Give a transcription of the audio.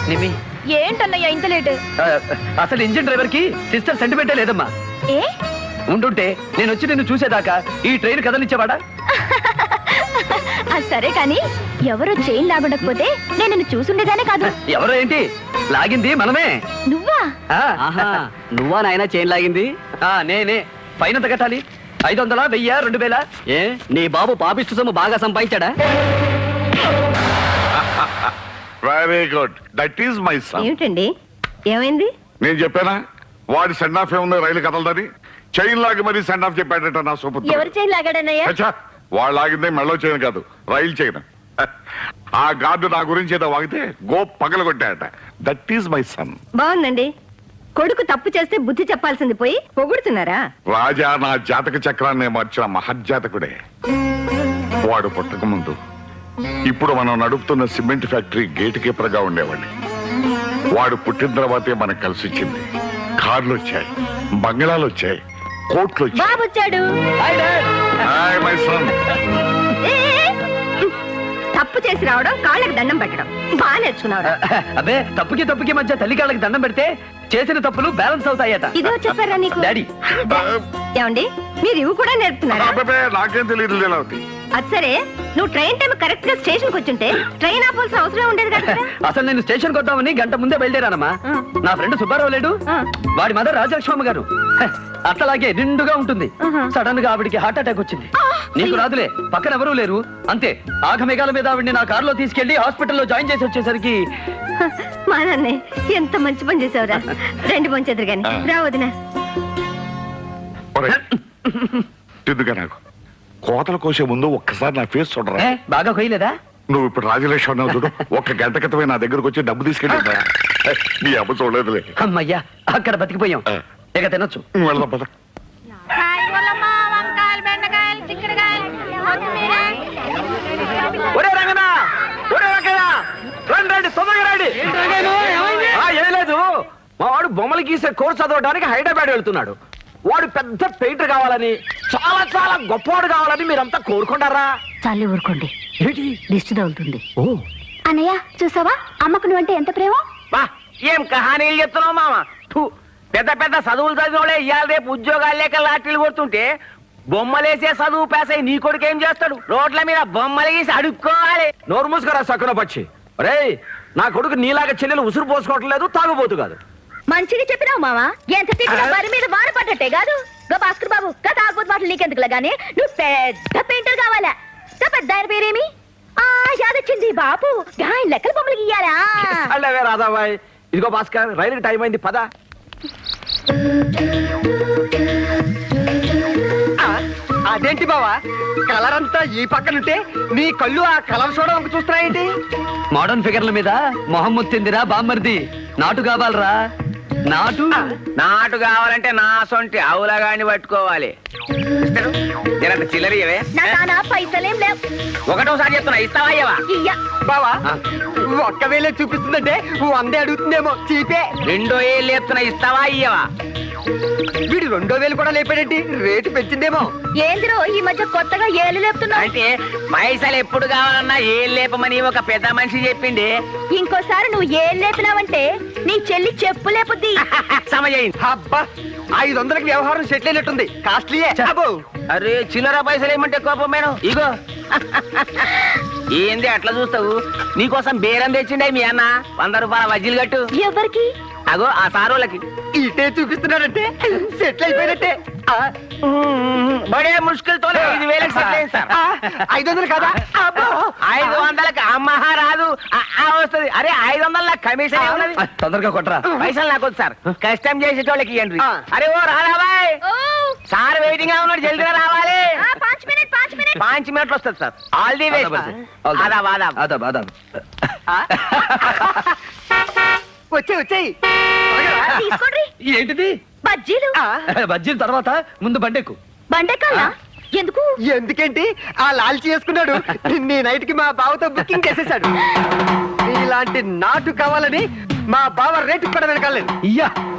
నిమి ఏంటన్నయ్యా ఇంత లేట్? అసలు engine driver కి సిస్టర్ సెంటిమెంటే లేదమ్మా. ఏ ఉండుంటే నేను వచ్చి నిన్ను చూసేదాకా ఈ ట్రైన్ కదలిచ్చేవాడా? సరే కానీ ఎవరో చైన్ లాగుండకపోతే నేను నిన్ను చూసుండేదానే కాదు. ఎవరో ఏంటి లాగింది మనమే. నువ్వా? నువ్వా నాయన చైన్ లాగింది? నేనే. ఫైన్ ఎంత కట్టాలి? 500, 1000, 2000? ఏ నీ బాబు పాపిష్టి సొమ్ము బాగా సంపాదించాడా? Very good, that is my son. ఏమిటండి ఏమైంది? నేను చెప్పానా వాడి సెండ్ ఆఫ్ ఏముంది రైలు కదలదని? చైన్ లాగి మరీ సెండ్ ఆఫ్ చెప్పాడట నా సూపర్. ఎవరు చైన్ లాగాడన్నయ్యా? వాళ్ళు లాగిందే మెళ్ళో చైన్ కాదు, రైలు చైన్. ఆ గార్డు నా గురించి ఏదో వాగితే గో పగలగొట్టాడట. That is my son. బాగుందండి. కొడుకు తప్పు చేస్తే బుద్ధి చెప్పాల్సింది పోయి పొగుడుతున్నారా? రాజా నా జాతక చక్రాన్ని మార్చిన మహజ్జాతకుడే. వాడు పుట్టక ముందు ఇప్పుడు మనం నడుపుతున్న సిమెంట్ ఫ్యాక్టరీ గేట్ కీపర్ గా ఉండేవాడిని. వాడు పుట్టిన తర్వాతే మనకు కలిసి వచ్చింది. కార్లు వచ్చాయి, బంగ్లాలు వచ్చాయి, కోట్లు వచ్చాయి. బాబు వచ్చాడు. Hi my son. తప్పు చేసి రావడం, కాళ్ళకి దండం పెట్టడం బాగా నేర్చుకున్నావు. అబ్బే తప్పుకి మధ్య తల్లి కాళ్ళకి దండం పెడితే చేసిన తప్పులు బ్యాలెన్స్ అవుతాయట. ఇదో చెప్పారా నీకు? డాడీ ఏమండి మీరు ఇవి కూడా నేర్పుతున్నారా? నాకేం తెలియదు లీలావతి. అది సరే, నువ్వు ట్రైన్ టైం కరెక్ట్ గా స్టేషన్ కి వచ్చుంటే ట్రైన్ ఆపాల్సిన అవసరం ఉండేది కదా. అసలు నేను స్టేషన్ కొద్దామని గంట ముందే బయలుదేరానమ్మా. నా ఫ్రెండ్ సుబ్బారావు లేడు, వాడి మదర్ రాజలక్ష్మమ్మ గారు అట్లాగే నిండుగా ఉంటుంది. సడన్ గా ఆవిడికి హార్ట్ అటాక్ వచ్చింది. నీకు రాదులే, పక్కన ఎవరూ లేరు. అంతే ఆగమేఘాల మీద ఆవిడ్ని నా కారులో తీసుకెళ్లి హాస్పిటల్లో జాయిన్ చేసి వచ్చేసరికి మా నాన్నే ఎంత మంచి పని చేసావురా. రెండు పంచేద్దరు గాని రా వదినా. ఎందుగా నాకు కోతలు కోసే ముందు ఒక్కసారి నా ఫేస్ చూడరా. బాగా కొయ్యలేదా? నువ్వు ఇప్పుడు రాజలక్ష్మి అన్నావు చూడు, ఒక్క గంట క్రితమే నా దగ్గరకు వచ్చి డబ్బు తీసుకెళ్ళి నీ అబ్బ చూడలేదులే. అమ్మయ్యా అక్కడ బతికిపోయాం, ఇక తినొచ్చు. వెళ్దాం పద. ఒరే రంగనా, ఒరే రంగనా, రండి తొందరగా రండి. ఏం లేదు, మా వాడు బొమ్మలు గీసే కోర్సు చదవడానికి హైదరాబాద్ వెళ్తున్నాడు. వాడు పెద్ద పెయింటర్ కావాలని, చాలా చాలా గొప్పవాడు కావాలని మీరంతా కోరుకుంటారా? చాలే ఊరుకోండి, ఏంటి దిష్టి తగులుతుంది. ఓ అన్నయ్య చూసావా అమ్మకు నువ్వంటే ఎంత ప్రేమ. ఏం కహానీలు చెప్తున్నావు మామ? పెద్ద పెద్ద చదువులు చదివినోడే ఇవాళ రేపు ఉద్యోగాలు లేక లాటరీలు కొడుతుంటే బొమ్మలేసే చదువు పేసై నీ కొడుకు ఏం చేస్తాడు? రోడ్ల మీద బొమ్మలు గీసి అడుక్కోవాలి. నోరు మూసుకురా సక్కున పక్షి. రే నా కొడుకు నీలాగా చెల్లెలు ఉసురు పోసుకోవటం లేదు, తాగుబోతు కాదు. మంచిగా చెప్పినావు మావా. ఎంత తిట్టినా వారి మీద వాన పడ్డట్టే కాదు. గా భాస్కర్ బాబు గత ఆగుబోతు మాటలు నీకెందుకులా గానీ నువ్వు పెద్ద పెయింటర్ కావాలా? పెద్ద ఆయన పేరేమి? యాదొచ్చింది బాబు, ఆయన లెక్కల బొమ్మలు గీయాలా? అల్లవే రాధాబాయ్. ఇదిగో భాస్కర్, రైలుకి టైం అయింది, పద. అదేంటి బావా, కలర్ అంతా ఈ పక్కనుంటే నీ కళ్ళు ఆ కలర్ చూడడానికి చూస్తున్నాయేంటి? మోడర్న్ ఫిగర్ల మీద మొహమ్మద్ తిందిరా బామ్మర్ది. నాటు కావాలరా, నాటు. నాటు కావాలంటే నా సొంటి ఆవులగాని పట్టుకోవాలి. చిల్లరియవే పైసలేం లేవు. ఒకటోసారి చెప్తున్నా, ఇస్తావా అయ్యవా? బావా ఒక్క వేలే చూపిస్తుందంటే 100 అడుగుతుందేమో. చీపే. 2 ఏళ్ళు చెప్తున్నా, ఇస్తావా అయ్యవా? వీడు 2000 కూడా లేపాడేంటి? రేటు పెంచిందేమో. ఏందిరో ఈ మధ్య కొత్తగా ఏళ్ళు లేపుతున్నావు? అంటే పైసలు ఎప్పుడు కావాలన్నా ఏళ్ళు లేపమని ఒక పెద్ద మనిషి చెప్పింది. ఇంకోసారి నువ్వు ఏళ్ళు లేపినావంటే నీ చెల్లి చెప్పు లేపుద్ది. సమయం. అబ్బా 500కి వ్యవహారం సెటిల్ అయినట్టుంది. కాస్ట్లీయే. అరే చిల్లర పైసలు ఏమంటే కోపం మేడం. ఇగో ఏంది అట్లా చూస్తావు? నీకోసం బేరం తెచ్చిండే మీ అన్న. 100 రూపాయల వజ్జీలు కట్టు. ఎవరికి? అగో ఆ సారోళ్ళకి. ఇటే చూపిస్తున్నాడంటే సెటిల్ అయిపోయినట్టే. బడే ముష్కిల్తో 5,000 సెటిల్ అయింది సార్. 500 కదా? 500కి అమ్మహా రాదు వస్తుంది. అరే 500 నాకు కమిషన్ ఉన్నది. తొందరగా కొట్టరా. పైసలు నాకు వద్దు సార్, కష్టం చేసేటోళ్ళకి ఇవ్వండి. అరే ఓ రాధాబాయ్, సార్ వెయిటింగ్ గా ఉన్నాడు, జల్దిగా రావాలి. 5 మినిట్లు వస్తుంది సార్. All the best. ఆదాబ్ ఆదాబ్ ఆదాబ్ ఆదాబ్. వచ్చాయి. తీసుకోండి. ఏంటిది? బజ్జీలు. బజ్జీల తర్వాత ముందు బండెక్కు. బండెక్కాలా? ఎందుకు? ఎందుకేంటి, ఆ లాల్చి చేసుకున్నాడు. నీ నైట్ కి మా బావతో బుకింగ్ చేసేసాడు. ఇలాంటి నాటు కావాలని మా బావ రేటు కూడా వెనకాలేదు. ఇయ్యా